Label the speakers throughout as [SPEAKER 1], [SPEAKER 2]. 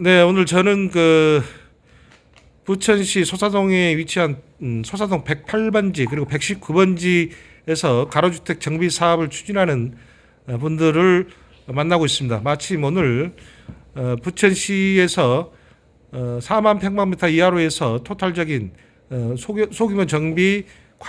[SPEAKER 1] 네, 오늘 저는 그 부천시 소사동에 위치한 소사동 108번지 그리고 119번지에서 가로주택 정비 사업을 추진하는 분들을 만나고 있습니다. 마침 오늘 부천시에서 4만 평방미터 이하로 해서 토탈적인 소규모 정비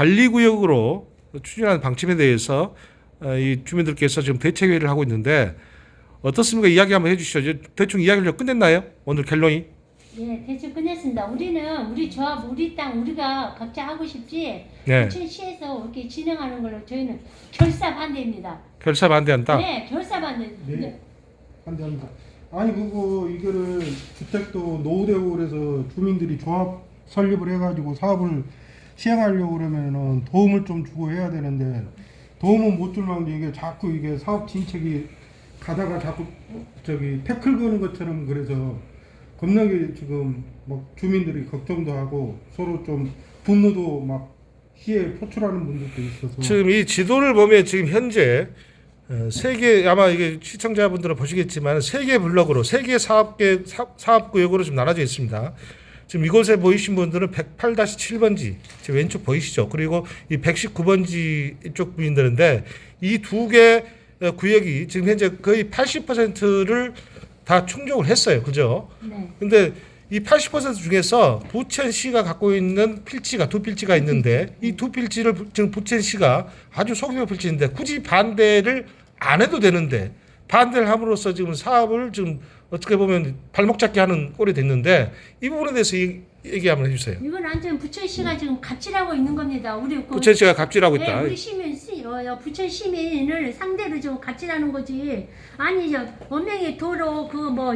[SPEAKER 1] 관리구역으로 추진하는 방침에 대해서 이 주민들께서 지금 대책회의를 하고 있는데 어떻습니까? 이야기 한번 해주시죠. 대충 이야기를 끝냈나요? 오늘 결론이?
[SPEAKER 2] 네, 대충 끝냈습니다. 우리는 우리 조합, 우리 땅 우리가 각자 하고 싶지.
[SPEAKER 1] 네.
[SPEAKER 2] 부천시에서 이렇게 진행하는 걸로 저희는 결사 반대입니다.
[SPEAKER 1] 결사 반대한다?
[SPEAKER 2] 네, 결사 반대.
[SPEAKER 3] 네. 반대합니다. 아니 그거 이거를 주택도 노후되고 그래서 주민들이 조합 설립을 해가지고 사업을 시행하려고 그러면은 도움을 좀 주고 해야 되는데 도움은 못 줄 망정 이게 자꾸 이게 사업 진척이 가다가 자꾸 저기 태클 거는 것처럼 그래서 겁나게 지금 막 주민들이 걱정도 하고 서로 좀 분노도 막 시에 표출하는 분들도 있어서
[SPEAKER 1] 지금 이 지도를 보면 지금 현재 세 개 아마 이게 시청자분들은 보시겠지만 세 개 블럭으로 세 개 사업구역으로 좀 나눠져 있습니다. 지금 이곳에 보이신 분들은 108-7번지 지금 왼쪽 보이시죠? 그리고 이 119번지 이쪽 분들인데 이 두 개 구역이 지금 현재 거의 80%를 다 충족을 했어요. 그죠?
[SPEAKER 2] 네.
[SPEAKER 1] 근데 이 80% 중에서 부천시가 갖고 있는 필지가 두 필지가 있는데 이 두 필지를 지금 부천시가 아주 소규모 필지인데 굳이 반대를 안 해도 되는데 반대를 함으로써 지금 사업을 지금 어떻게 보면 발목 잡게 하는 꼴이 됐는데 이 부분에 대해서 얘기 한번 해주세요.
[SPEAKER 2] 이건 완전 부천시가 지금 갑질하고 있는 겁니다. 우리
[SPEAKER 1] 부천시가 갑질하고 있다.
[SPEAKER 2] 네, 우리 시민 부천 시민을 상대로 좀 갑질하는 거지. 아니 저 원명의 도로 그 뭐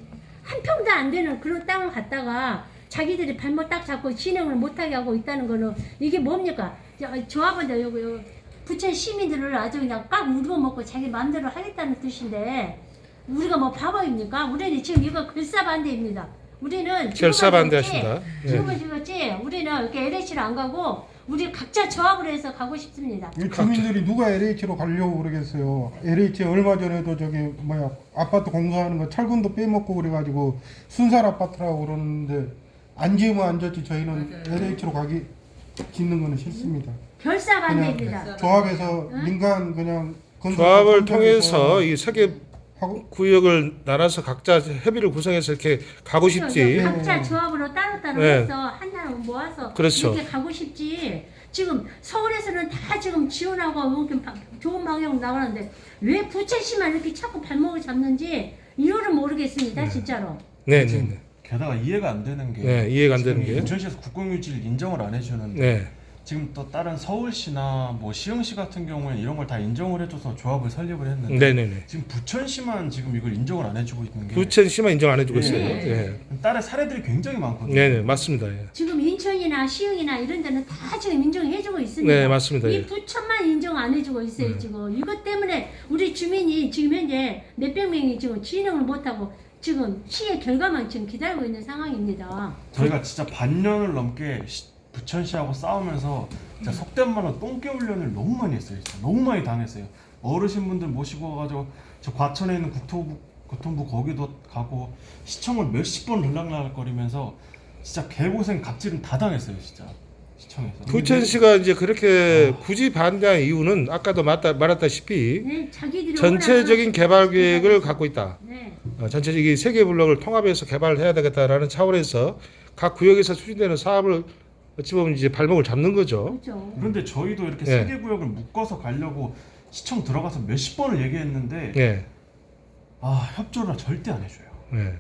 [SPEAKER 2] 한 평도 안 되는 그런 땅을 갖다가 자기들이 발목 딱 잡고 진행을 못하게 하고 있다는 거는 이게 뭡니까? 조합은 여기 부천 시민들을 아주 그냥 꽉 물어먹고 자기 마음대로 하겠다는 뜻인데 우리가 뭐 바보입니까? 우리는 지금 이거 결사반대입니다. 우리는
[SPEAKER 1] 결사반대하신다.
[SPEAKER 2] 지금은 죽었지. 우리는 이렇게 LH를 안 가고 우리 각자 조합을 해서 가고 싶습니다.
[SPEAKER 3] 이 주민들이 누가 LH로 가려고 그러겠어요. LH 얼마 전에도 저기 뭐야 아파트 공사하는 거 철근도 빼먹고 그래가지고 순살 아파트라고 그러는데 안 지으면 안 졌지 저희는 LH로 가기 짓는 거는 싫습니다.
[SPEAKER 2] 결사반대입니다.
[SPEAKER 3] 조합에서 민간 그냥 건설
[SPEAKER 1] 조합을
[SPEAKER 3] 현장에서
[SPEAKER 1] 통해서 이 세 개
[SPEAKER 3] 하고
[SPEAKER 1] 구역을 나눠서 각자 협의를 구성해서 이렇게 가고 싶지.
[SPEAKER 2] 각자 조합으로 따로따로
[SPEAKER 1] 네.
[SPEAKER 2] 해서 하나 모아서
[SPEAKER 1] 그렇죠.
[SPEAKER 2] 이렇게 가고 싶지. 지금 서울에서는 다 지금 지원하고 이렇게 좋은 방향으로 나가는데 왜 부천시만 이렇게 자꾸 발목을 잡는지 이유를 모르겠습니다. 진짜로.
[SPEAKER 1] 네, 네, 네.
[SPEAKER 4] 게다가 이해가 안 되는 게
[SPEAKER 1] 네, 이해가 안
[SPEAKER 4] 지금
[SPEAKER 1] 되는 게.
[SPEAKER 4] 부천시에서 국공유지를 인정을 안 해주는데
[SPEAKER 1] 네.
[SPEAKER 4] 지금 또 다른 서울시나 뭐 시흥시 같은 경우에는 이런 걸 다 인정을 해줘서 조합을 설립을 했는데
[SPEAKER 1] 네, 네, 네.
[SPEAKER 4] 지금 부천시만 지금 이걸 인정을 안 해주고 있는 게
[SPEAKER 1] 부천시만 인정 안 해주고
[SPEAKER 4] 네.
[SPEAKER 1] 있어요.
[SPEAKER 2] 네.
[SPEAKER 1] 예.
[SPEAKER 4] 다른 사례들이 굉장히 많거든요.
[SPEAKER 1] 네, 네, 맞습니다. 예.
[SPEAKER 2] 지금 인천이나 시흥이나 이런 데는 다 지금 인정해주고 있습니다.
[SPEAKER 1] 네, 맞습니다.
[SPEAKER 2] 이
[SPEAKER 1] 예.
[SPEAKER 2] 부천만 인정 안 해주고 있어요. 지금 이것 때문에 우리 주민이 지금 현재 몇백 명이 지금 진행을 못하고 지금 시의 결과만 지금 기다리고 있는 상황입니다.
[SPEAKER 4] 저희가 진짜 반년을 넘게 부천시하고 싸우면서 진짜 속된 말로 똥개 훈련을 너무 많이 했어요. 진짜 너무 많이 당했어요. 어르신분들 모시고 와가지고 저 과천에 있는 교통부 거기도 가고 시청을 몇십 번 들락날락거리면서 진짜 개고생 갑질은 다 당했어요. 진짜 시청에서.
[SPEAKER 1] 부천시가 이제 그렇게 굳이 반대한 이유는 아까도 말했다시피
[SPEAKER 2] 네, 자기들이
[SPEAKER 1] 전체적인 개발 계획을 갖고 있다.
[SPEAKER 2] 네.
[SPEAKER 1] 전체적인 세개 블록을 통합해서 개발을 해야 되겠다라는 차원에서 각 구역에서 추진되는 사업을 어찌 보면 이제 발목을 잡는 거죠.
[SPEAKER 2] 그렇죠.
[SPEAKER 4] 그런데 저희도 이렇게
[SPEAKER 1] 네.
[SPEAKER 4] 세 개 구역을 묶어서 가려고 시청 들어가서 몇십 번을 얘기했는데
[SPEAKER 1] 예.
[SPEAKER 4] 협조를 절대 안 해줘요.
[SPEAKER 1] 예.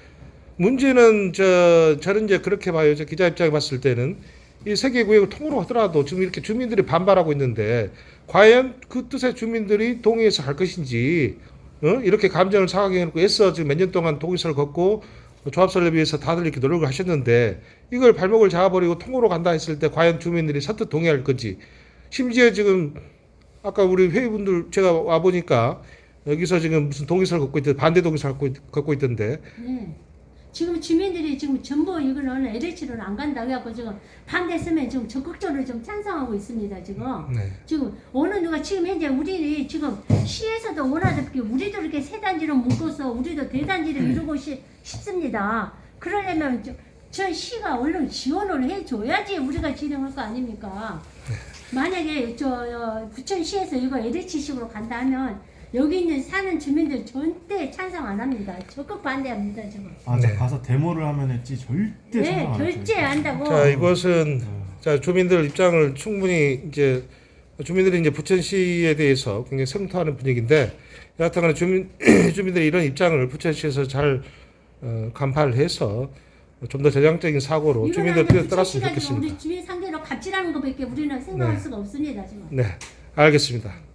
[SPEAKER 1] 문제는 저는 이제 그렇게 봐요. 저 기자 입장에 봤을 때는 이 세 개 구역을 통으로 하더라도 지금 이렇게 주민들이 반발하고 있는데 과연 그 뜻의 주민들이 동의해서 갈 것인지 이렇게 감정을 상하게 해놓고 애써 지금 몇 년 동안 동의서를 걷고 조합 설립을 위해서 다들 이렇게 노력을 하셨는데 이걸 발목을 잡아버리고 통으로 간다 했을 때 과연 주민들이 선뜻 동의할 건지 심지어 지금 아까 우리 회의분들 제가 와보니까 여기서 지금 무슨 동의서를 걷고 있던데 반대 동의서를 걷고 있던데
[SPEAKER 2] 네. 지금 주민들이 지금 전부 이거는 LH로는 안 간다 해갖고 지금 반대했으면 지금 적극적으로 좀 찬성하고 있습니다. 지금
[SPEAKER 1] 네.
[SPEAKER 2] 지금 어느 누가 지금 현재 우리 지금 시에서도 원하듯이 우리도 이렇게 세 단지로 묶어서 우리도 대단지를 이루고 싶습니다. 그러려면 저 시가 얼른 지원을 해줘야지 우리가 진행할 거 아닙니까? 만약에 부천시에서 이거 LH식으로 간다 하면 여기 있는 사는 주민들 절대 찬성 안 합니다. 적극 반대합니다 지금.
[SPEAKER 4] 아,
[SPEAKER 1] 네.
[SPEAKER 4] 제가 가서 데모를 하면 했지 절대
[SPEAKER 2] 네,
[SPEAKER 4] 찬성 안 했어요.
[SPEAKER 2] 결제 한다고.
[SPEAKER 1] 자, 이것은 자 주민들 입장을 충분히 이제 주민들이 이제 부천시에 대해서 굉장히 성토하는 분위기인데 여하튼간에 주민들이 이런 입장을 부천시에서 잘 간파를 해서 좀 더 전향적인 사고로 주민들 뜻에 따랐으면 좋겠습니다.
[SPEAKER 2] 우리 주민 상대로 갑질하는 것밖에 우리는 생각할
[SPEAKER 1] 네.
[SPEAKER 2] 수가 없습니다 지금.
[SPEAKER 1] 네, 알겠습니다.